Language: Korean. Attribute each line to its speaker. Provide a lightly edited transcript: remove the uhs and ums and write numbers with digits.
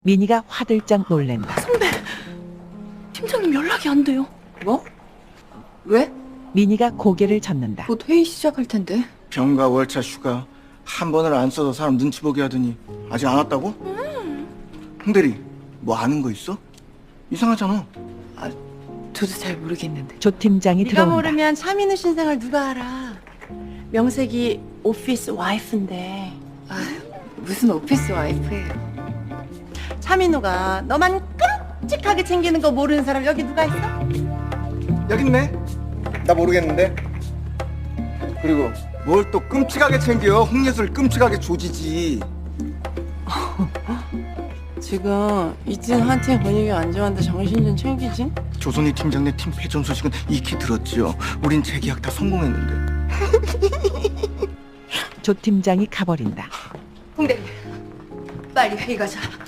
Speaker 1: 민희가 화들짝 놀랜다.
Speaker 2: 선배, 팀장님 연락이 안 돼요.
Speaker 3: 뭐? 왜?
Speaker 1: 민희가 고개를 젓는다.
Speaker 3: 곧 회의 시작할 텐데.
Speaker 4: 병가 월차 휴가 한 번을 안 써서 사람 눈치 보게 하더니 아직 안 왔다고? 홍대리 뭐 아는 거 있어? 이상하잖아.
Speaker 3: 저도 잘 모르겠는데.
Speaker 1: 조 팀장이
Speaker 2: 네가
Speaker 1: 들어온다.
Speaker 2: 모르면 차민우 신생을 누가 알아? 명색이 오피스 와이프인데
Speaker 3: 무슨 오피스 와이프예요.
Speaker 2: 차민우가 너만 끔찍하게 챙기는 거 모르는 사람 여기 누가 있어?
Speaker 4: 여기 있네. 나 모르겠는데. 그리고 뭘 또 끔찍하게 챙겨. 홍예술 끔찍하게 조지지.
Speaker 2: 지금 이진 한팀 분위기 안 좋은데 정신 좀 챙기지?
Speaker 4: 조선희 팀장네 팀 패전 소식은 익히 들었지요. 우린 재계약 다 성공했는데.
Speaker 1: 조 팀장이 가버린다.
Speaker 3: 홍대, 빨리 회의 가자.